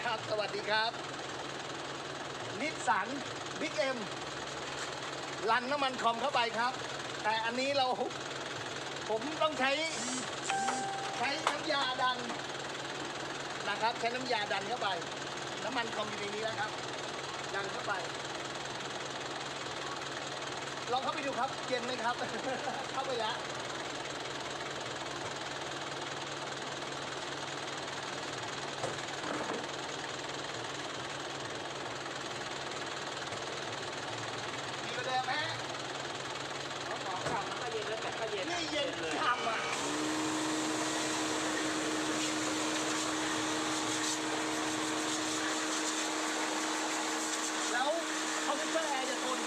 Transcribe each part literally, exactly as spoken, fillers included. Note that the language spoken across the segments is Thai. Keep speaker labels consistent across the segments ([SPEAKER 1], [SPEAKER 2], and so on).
[SPEAKER 1] ครับสวัสดีครับนิสสันบิ๊กเอ็มรันน้ำมันคอมเข้าไปครับแต่อันนี้เราผมต้องใช้ใช้น้ำยาดันนะครับใช้น้ำยาดันเข้าไปน้ำมันคอมอยู่ในนี้แล้วครับดันเข้าไปลองเข้าไปดูครับเย็นไหมครับ เข้าไปแล้วมีประเด็นไหม
[SPEAKER 2] ของของเก่ามันก็เย็นแล้วแต่ก็เย็น
[SPEAKER 1] นี่เย็นเลยทำอ่ะแล้วคอมพิวเตอร์แอร์จะทน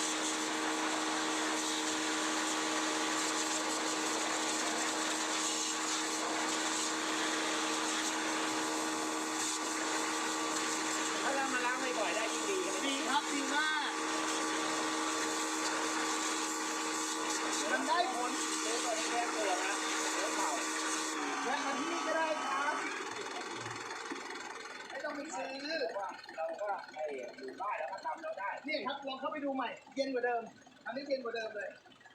[SPEAKER 2] ถ้าเรามาล้างบ่อยๆได้ยิ่งดีกัน
[SPEAKER 1] ดีครับดีมากมันได้ผล
[SPEAKER 2] เนื้อตัวนี้แค่ตัวนะเนื้อเก่า
[SPEAKER 1] แวะมาที่นี่ก็ได้ครับไม่ต้องไปซื้อ
[SPEAKER 2] เพราะว่าเราก็ไอ้อยู่บ้านแล้วก็ทำเราได้
[SPEAKER 1] นี่ครับลองเข้าไปดูใหม่เย็นกว่าเดิมอันนี้เย็นกว่าเดิมเลย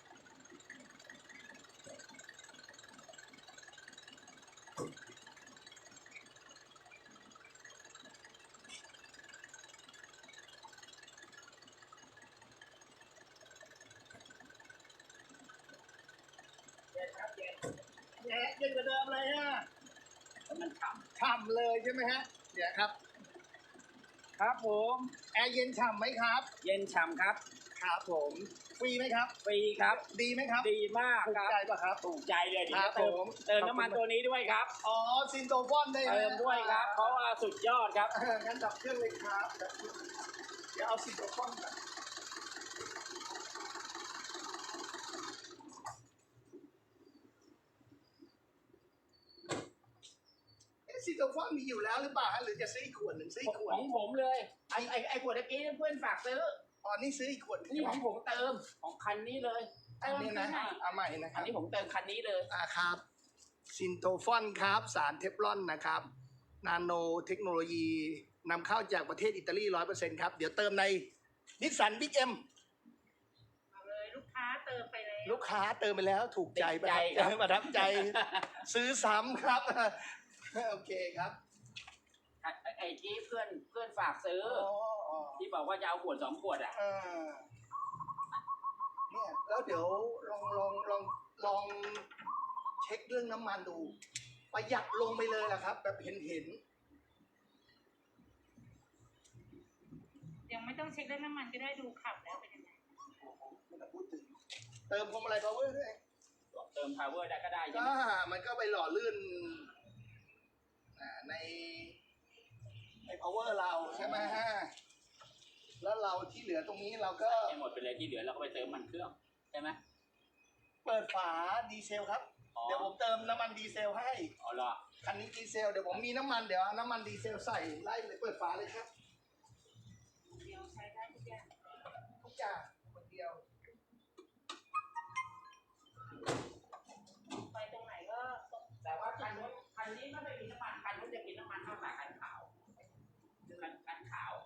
[SPEAKER 2] เย็นครับเย็น
[SPEAKER 1] แหมเย็นกว่าเดิมเลยฮะ
[SPEAKER 2] แล้วมันฉ่
[SPEAKER 1] ฉ่ำเลยใช่ไหมฮะเดี๋ยวครับ
[SPEAKER 2] ำครับผม
[SPEAKER 1] แอร์เย็นฉ่ำไหมครับ
[SPEAKER 2] เย็นฉ่ำครับ
[SPEAKER 1] ครับผมฟรีไหมครับ
[SPEAKER 2] ฟรีครับ
[SPEAKER 1] ดีไหมครับ
[SPEAKER 2] ดีมาก
[SPEAKER 1] ถูก
[SPEAKER 2] ครับ
[SPEAKER 1] ใจป่ะครับ
[SPEAKER 2] ถูกใจเลยเดี๋
[SPEAKER 1] ครั
[SPEAKER 2] ยว
[SPEAKER 1] บ
[SPEAKER 2] เติม
[SPEAKER 1] ผม
[SPEAKER 2] เติมน้ำมันตัวนี้ด้วยครับ
[SPEAKER 1] อ๋อซินโตฟอนได้ไห
[SPEAKER 2] เติมด้วยครับ เพราะว่าสุดยอดครับ
[SPEAKER 1] เอองั้นดับเครื่องเลยครับดับเครื่องเดี๋ยวเอาซินโตฟอนก่อนเอ๊ะซินโตฟอนมีอยู่แล้วหรือเปล่าฮะหรือจะซื้ออีกขวดหนึ่งซื้ออีกขวด
[SPEAKER 2] ของผมเลยไอ้ไอ้ไอ้ขวดตะกี้เพื่อนฝากซื้อ
[SPEAKER 1] ตอนนี้ซื้ออีกขวด
[SPEAKER 2] นี่ของผมเติมของคันนี้เลย
[SPEAKER 1] อันนี้นะเอาใหม่นะค
[SPEAKER 2] อั
[SPEAKER 1] รั
[SPEAKER 2] น
[SPEAKER 1] บ
[SPEAKER 2] นี้ผมเติมคันนี้เลย
[SPEAKER 1] อ่าครับซินโตฟอนครับสารเทฟลอนนะครับนาโนเทคโนโลยีนำเข้าจากประเทศอิตาลีร้อยเปอร์เซ็นต์ครับเดี๋ยวเติมในนิสสันบิ๊กเอ็ม
[SPEAKER 3] เอาเลยลูกค้าเติมไปเลย
[SPEAKER 1] ลูกค้าเติมไปแล้วถูกใจ
[SPEAKER 2] ติดใจครับ
[SPEAKER 1] ประทับใจ ซื้อซ้ำครับ โอเคครับ
[SPEAKER 2] ไอ้ไอ้ที่เพื่อนเพื่อนฝากซื้อ
[SPEAKER 1] อ๋ออ๋อ
[SPEAKER 2] ที่บอกว่าจะเอาขวดสองขวดอ่ะ
[SPEAKER 1] เออเนี่ยแล้วเดี๋ยวลองลองลองลองเช็คเรื่องน้ำมันดูประหยัดลงไปเลยล่ะครับ แบบเห็นเห็น
[SPEAKER 3] ยังไม่ต้องเช็คเรื่องน้ำมันก็ได้ดูขับแล้วเป็นยังไง
[SPEAKER 1] ไม่ต้องพูดถึงเติมพวงมาลัยพาวเวอร์ด้วย
[SPEAKER 2] เติม power ได้ก็ได้ใช่
[SPEAKER 1] ก็
[SPEAKER 2] ไหม
[SPEAKER 1] มันก็ไปหล่อลื่นอ่าในใน power เราใช่ไหมฮะแล้วเราที่เหลือตรงนี้เราก็
[SPEAKER 2] ให้หมดไปเลยที่เหลือเราก็ไปเติมมันเครื่องใช่ไหม
[SPEAKER 1] เปิดฝาดีเซลครับ
[SPEAKER 2] อ๋อ
[SPEAKER 1] เดี๋ยวผมเติมน้ำมันดีเซลให้
[SPEAKER 2] อ๋อเหรอ
[SPEAKER 1] คันนี้ดีเซลเดี๋ยวผมมีน้ำมันเดี๋ยวเอาน้ำมันดีเซลใส่ไล่เลยเปิดฝาเลยครับ
[SPEAKER 3] เดี๋ยวใช้ได้ทุกอย่าง
[SPEAKER 1] ทุกอย่างคนเดียว
[SPEAKER 3] ไปตรงไหนก็ตรง
[SPEAKER 2] แต่ว่าคันนู้นคันนี้ไม่ได้กินน้ำมันคันนู้นจะกินน้ำมันเท่ากับคันขาวคือคันคันขาว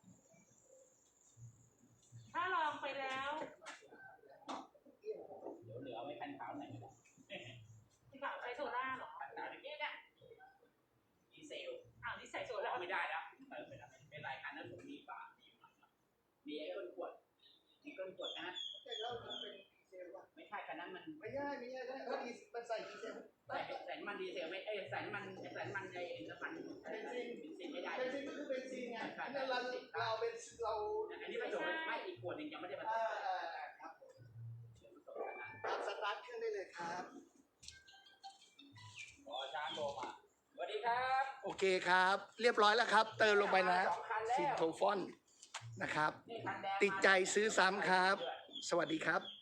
[SPEAKER 3] ถ้าลองไปแล้ว
[SPEAKER 2] เดี๋ยวเหลือไว้คันขาวไหนอยก็ได้
[SPEAKER 3] ที่ขับใช้โซล่าเหรอ
[SPEAKER 2] คันขาวอย่างนี้เนี่ยดีเซล
[SPEAKER 3] อ้าวนี่ใส่โซ
[SPEAKER 2] ตัว
[SPEAKER 3] ล่า
[SPEAKER 2] เราไม่ได้แล้วเติมไปแล้วเป็นไรคันนั้นผมมีฝามีมันมีไอ้ก้นขวดมีก้นขวดนะฮะ
[SPEAKER 1] แต่เรามันเป็นดีเซลว่ะ
[SPEAKER 2] ไม่ใช่คันนั้นมัน
[SPEAKER 1] ไม่ใช่ไม่ใช่ถ้าดีมันใส่ดีเซล
[SPEAKER 2] ใส่ใส่น้ำมันดีเซลไม่เอ้ยใส่น้ำมันใส่น้ำมันไอ้น้ำมันเบนซินเบนซินไม่ได้
[SPEAKER 1] เบนซินก็คือเบนซินไงอันนั้นเราเราเป็นเรา
[SPEAKER 2] อันนี้ผสมไม่อีกขวดหนึ่งยังไม่ได้ผส
[SPEAKER 1] อ่าม อ่าอ่าครับผม
[SPEAKER 2] เดี๋ยวผสมกันนะ
[SPEAKER 1] ครับสตาร์ทเครื่องได้เลยครับ
[SPEAKER 2] ขอช้างโทรมาสวัสดีครับ
[SPEAKER 1] โอเคครับ เรียบร้อยแล้วครับ เติมลงไปนะ
[SPEAKER 2] สองคันแล้ว
[SPEAKER 1] ซินโทฟอนนะครับ
[SPEAKER 2] นี่คันแดง
[SPEAKER 1] ติดใจซื้อซ้ำครับ สวัสดีครับ